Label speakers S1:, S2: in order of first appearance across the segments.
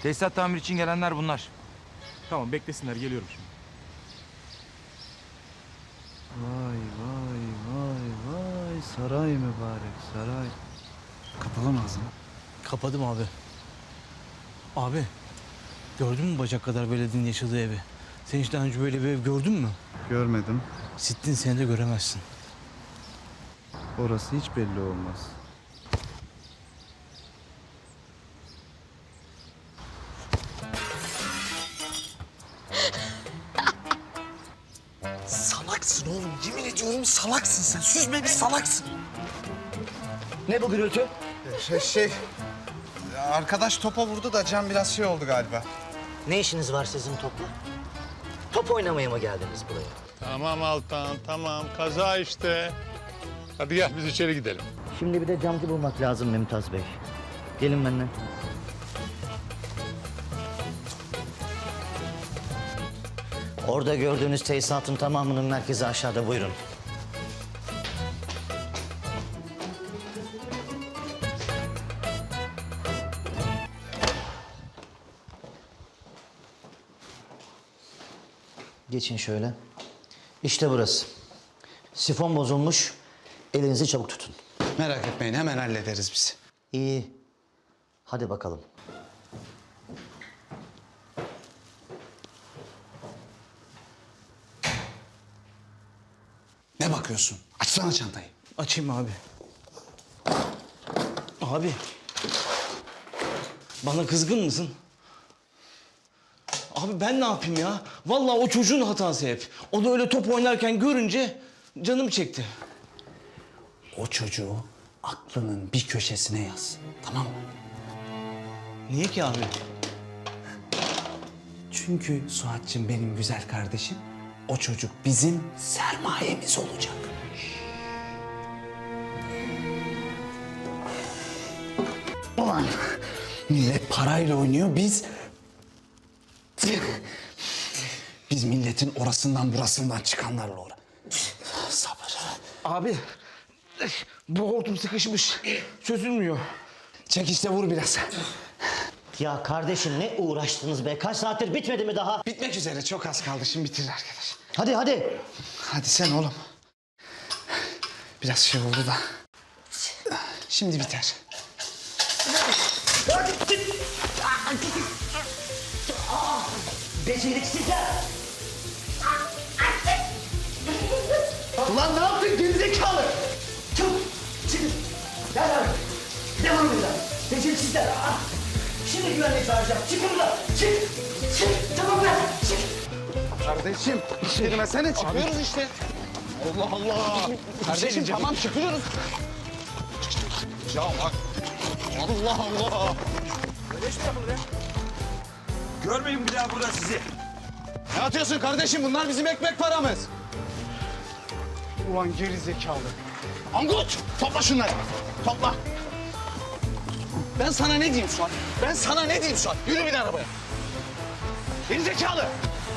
S1: Tesisat tamir için gelenler bunlar.
S2: Tamam beklesinler, geliyorum şimdi.
S3: Vay vay vay vay, saray mübarek saray. Kapalı mı ağzını?
S4: Kapadım abi. Abi, gördün mü bacak kadar belediyenin yaşadığı evi? Sen hiç daha önce böyle bir ev gördün mü?
S3: Görmedim.
S4: Sittin seni de göremezsin.
S3: Orası hiç belli olmaz.
S5: Salaksın oğlum. Yemin ediyorum salaksın sen. Süzme bir salaksın.
S6: Ne bu gürültü?
S5: Arkadaş topa vurdu da Can biraz şey oldu galiba.
S6: Ne işiniz var sizin topla? Top oynamaya mı geldiniz buraya?
S7: Tamam Altan, tamam. Kaza işte. Hadi gel biz içeri gidelim.
S6: Şimdi bir de camcı bulmak lazım Mümtaz Bey. Gelin benimle. Orada gördüğünüz tesisatın tamamının merkezi aşağıda, buyurun. Geçin şöyle. İşte burası. Sifon bozulmuş. Elinizi çabuk tutun.
S5: Merak etmeyin hemen hallederiz biz.
S6: İyi. Hadi bakalım.
S5: Ne bakıyorsun? Açsana çantayı.
S4: Açayım abi. Abi. Bana kızgın mısın? Abi ben ne yapayım ya? Vallahi o çocuğun hatası hep. O da öyle top oynarken görünce canım çekti.
S5: O çocuğu aklının bir köşesine yaz. Tamam mı?
S4: Niye ki abi?
S5: Çünkü Suat'cığım benim güzel kardeşim. O çocuk bizim sermayemiz olacak. Ulan millet parayla oynuyor, biz milletin orasından burasından çıkanlarla uğra. Sabır.
S4: Abi bu hortum sıkışmış. Çözülmüyor.
S5: Çek işte vur biraz.
S6: Ya kardeşim ne uğraştınız be? Kaç saattir bitmedi mi daha?
S5: Bitmek üzere çok az kaldı şimdi bitirir arkadaş.
S6: Hadi hadi.
S5: Hadi sen oğlum. Biraz şey oldu da. Şimdi biter.
S6: Beceriksizler. Ulan ne yaptın gerizekalı? Çabuk çıkın. Gel abi. Devam edin. Beceriksizler. Şimdi güvenlik çağıracağım. Çıkın buradan. Çık. Çık. Tamam be. Çık.
S5: Kardeşim girmesene çıkıyoruz işte. Allah Allah. Kardeşim tamam çıkıyoruz. Ya bak. Allah Allah.
S1: Görmeyin bir daha burada sizi.
S5: Ne atıyorsun kardeşim? Bunlar bizim ekmek paramız. Ulan geri zekalı. Angut! Topla şunları. Topla. Ben sana ne diyeyim Suat? Ben sana ne diyeyim Suat? Yürü bin arabaya. Geri zekalı.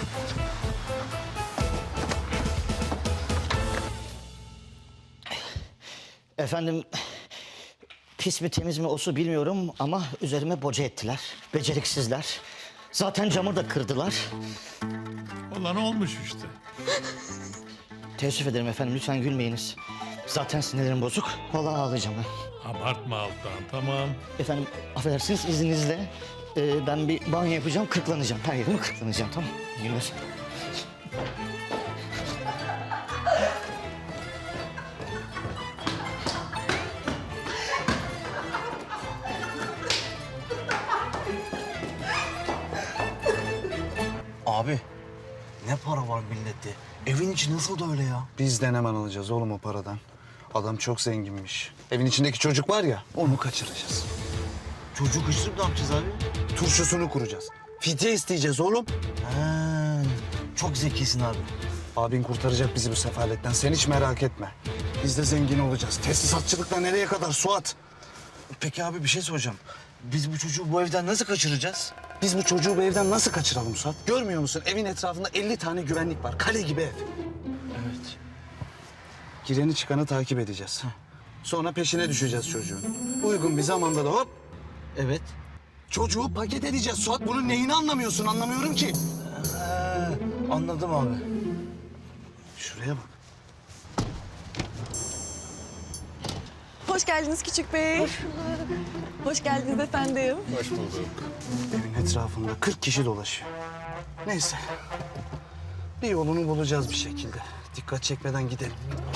S6: Efendim, pis mi temiz mi o su bilmiyorum ama üzerime boca ettiler. Beceriksizler. Zaten camı da kırdılar.
S7: Olan olmuş işte.
S6: Teessüf ederim efendim, lütfen gülmeyiniz. Zaten sinirlerim bozuk. Vallahi ağlayacağım ben.
S7: Abartma Altan, tamam.
S6: Efendim, affedersiniz izninizle. Ben bir banyo yapacağım, kırklanacağım. Her yerimi kırklanacağım, tamam mı? İyi günler.
S4: Abi ne para var millette? Evin içi nasıl da öyle ya?
S3: Biz de hemen alacağız oğlum o paradan. Adam çok zenginmiş. Evin içindeki çocuk var ya, onu kaçıracağız.
S4: Çocuğu kaçırıp ne yapacağız abi?
S3: Turşusunu kuracağız. Fidye isteyeceğiz oğlum.
S4: Ha, çok zekisin abi.
S3: Abin kurtaracak bizi bu sefaletten. Sen hiç merak etme. Biz de zengin olacağız. Tesisatçılıkla nereye kadar Suat?
S4: Peki abi bir şey soracağım. Biz bu çocuğu bu evden nasıl kaçıracağız?
S3: Biz bu çocuğu bu evden nasıl kaçıralım Suat? Görmüyor musun? Evin etrafında 50 tane güvenlik var. Kale gibi ev.
S4: Evet.
S3: Gireni çıkanı takip edeceğiz. Sonra peşine düşeceğiz çocuğun. Uygun bir zamanda da hop
S4: Evet.
S5: Çocuğu paket edeceğiz Suat. Bunun neyini anlamıyorsun? Anlamıyorum ki.
S4: Anladım abi.
S5: Şuraya bak.
S8: Hoş geldiniz küçük bey. Hoş geldiniz efendim.
S5: Evin etrafında 40 kişi dolaşıyor. Neyse. Bir yolunu bulacağız bir şekilde. Dikkat çekmeden gidelim.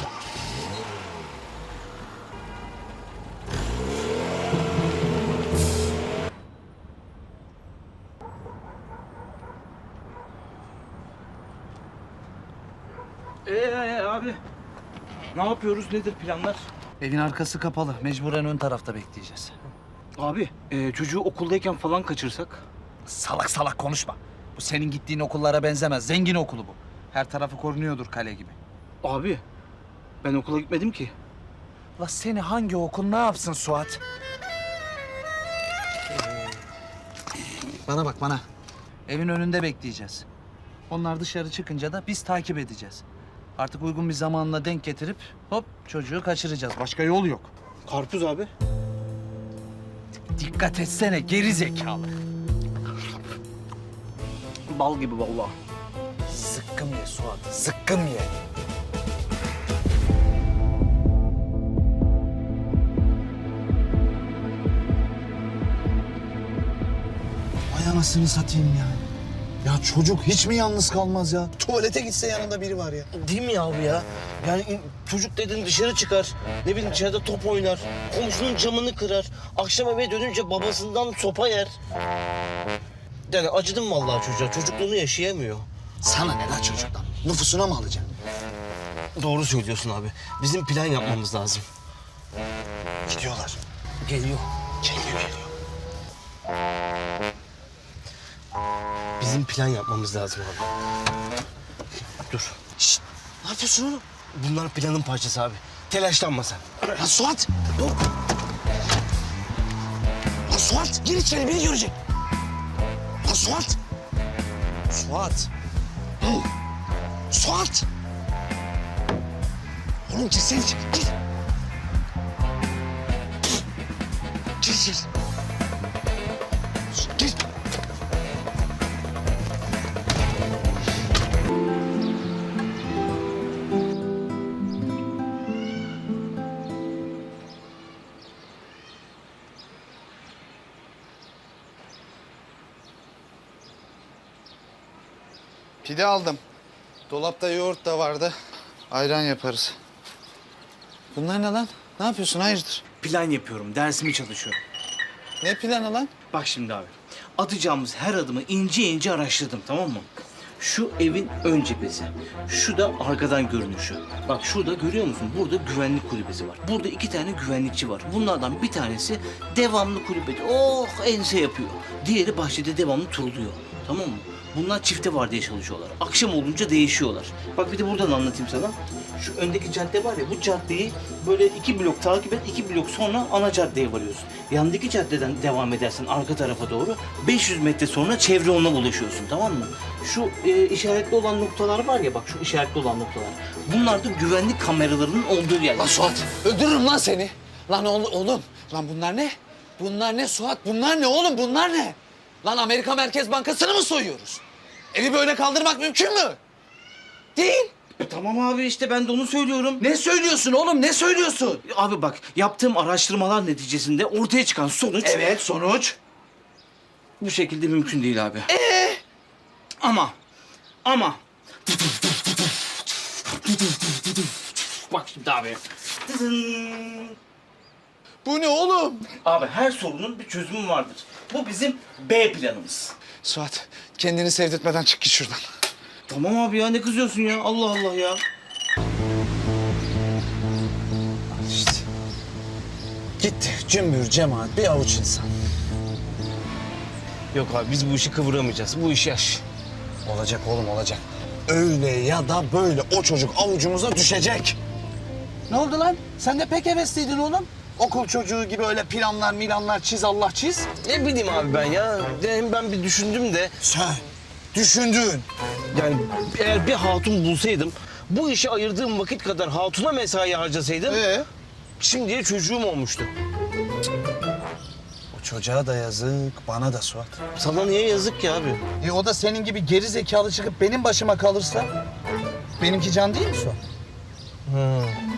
S4: Abi. Ne yapıyoruz? Nedir planlar?
S3: Evin arkası kapalı. Mecburen ön tarafta bekleyeceğiz.
S4: Abi çocuğu okuldayken falan kaçırsak?
S3: Salak salak konuşma. Bu senin gittiğin okullara benzemez. Zengin okulu bu. Her tarafı korunuyordur kale gibi.
S4: Abi ben okula gitmedim ki.
S3: La seni hangi okul ne yapsın Suat? Bana bak bana. Evin önünde bekleyeceğiz. Onlar dışarı çıkınca da biz takip edeceğiz. Artık uygun bir zamanla denk getirip hop çocuğu kaçıracağız. Başka yol yok.
S4: Karpuz abi.
S3: Dikkat etsene geri zekalı.
S4: Bal gibi vallahi.
S3: Zıkkım ye Suat, zıkkım ye.
S5: Vay anasını satayım ya. Ya çocuk hiç mi yalnız kalmaz ya? Tuvalete gitse yanında biri var ya.
S6: Değil mi ya abi ya? Yani çocuk dedin dışarı çıkar. Ne bileyim içeride top oynar. Komşunun camını kırar. Akşam eve dönünce babasından sopa yer. Yani acıdım vallahi çocuğa. Çocukluğunu yaşayamıyor.
S5: Sana ne lan çocuktan? Nüfusuna mı alacaksın?
S6: Doğru söylüyorsun abi. Bizim plan yapmamız lazım.
S5: Gidiyorlar.
S6: Geliyor.
S5: Geliyor.
S6: Bizim plan yapmamız lazım abi. Dur.
S5: Şşt! Ne yapıyorsun oğlum?
S6: Bunlar planın parçası abi. Telaşlanma sen.
S5: Lan Suat! Dur! Lan Suat! Gir içeri biri görecek. Lan Suat! Suat! Hı. Suat! Oğlum girsene içeri. Gir. Gir. Gir.
S9: Pide aldım. Dolapta yoğurt da vardı. Ayran yaparız. Bunlar ne lan? Ne yapıyorsun? Hayırdır?
S4: Plan yapıyorum, dersimi çalışıyorum.
S9: Ne planı lan?
S4: Bak şimdi abi, atacağımız her adımı ince ince araştırdım, tamam mı? Şu evin ön cephesi, şu da arkadan görünüşü. Bak şurada görüyor musun? Burada güvenlik kulübesi var. Burada 2 tane güvenlikçi var. Bunlardan bir tanesi devamlı kulübede ense yapıyor. Diğeri bahçede devamlı turluyor. Tamam mı? Bunlar çifte vardiya çalışıyorlar. Akşam olunca değişiyorlar. Bak bir de buradan anlatayım sana. Şu öndeki cadde var ya, bu caddeyi böyle 2 blok takip et, 2 blok sonra ana caddeye varıyorsun. Yandaki caddeden devam edersen arka tarafa doğru 500 metre sonra çevre yoluna ulaşıyorsun, tamam mı? Şu işaretli olan noktalar var ya, bak şu işaretli olan noktalar. Bunlar da güvenlik kameralarının olduğu yerler.
S9: Lan Suat öldürürüm lan seni. Lan oğlum. Lan bunlar ne? Bunlar ne Suat? Bunlar ne oğlum? Bunlar ne? Lan Amerika Merkez Bankası'nı mı soyuyoruz? Evi böyle kaldırmak mümkün mü? Değil.
S4: Tamam abi, işte ben de onu söylüyorum.
S9: Ne söylüyorsun oğlum? Ne söylüyorsun?
S4: Abi bak, yaptığım araştırmalar neticesinde ortaya çıkan sonuç...
S9: Evet sonuç.
S4: Bu şekilde mümkün değil abi. Ama bak şimdi abi.
S9: Bu ne oğlum?
S4: Abi her sorunun bir çözümü vardır. Bu bizim B planımız.
S9: Suat kendini sevdirtmeden çık git şuradan.
S4: Tamam abi ya, ne kızıyorsun ya? Allah Allah ya.
S5: İşte. Gitti cümbür cemaat bir avuç insan.
S6: Yok abi biz bu işi kıvıramayacağız. Bu iş yaş.
S5: Olacak oğlum olacak. Öyle ya da böyle o çocuk avucumuza düşecek. Ne oldu lan? Sen de pek hevesliydin oğlum. Okul çocuğu gibi öyle planlar çiz Allah çiz.
S6: Ne bileyim abi ben ya. Hem ben bir düşündüm de.
S5: Sen düşündün.
S6: Yani eğer bir hatun bulsaydım, bu işe ayırdığım vakit kadar hatuna mesai harcasaydım... Şimdiye çocuğum olmuştu.
S5: Çocuğa da yazık, bana da Suat.
S6: Sana niye yazık ki abi?
S5: O da senin gibi geri zekalı çıkıp benim başıma kalırsa benimki can değil mi Suat?
S6: Hı.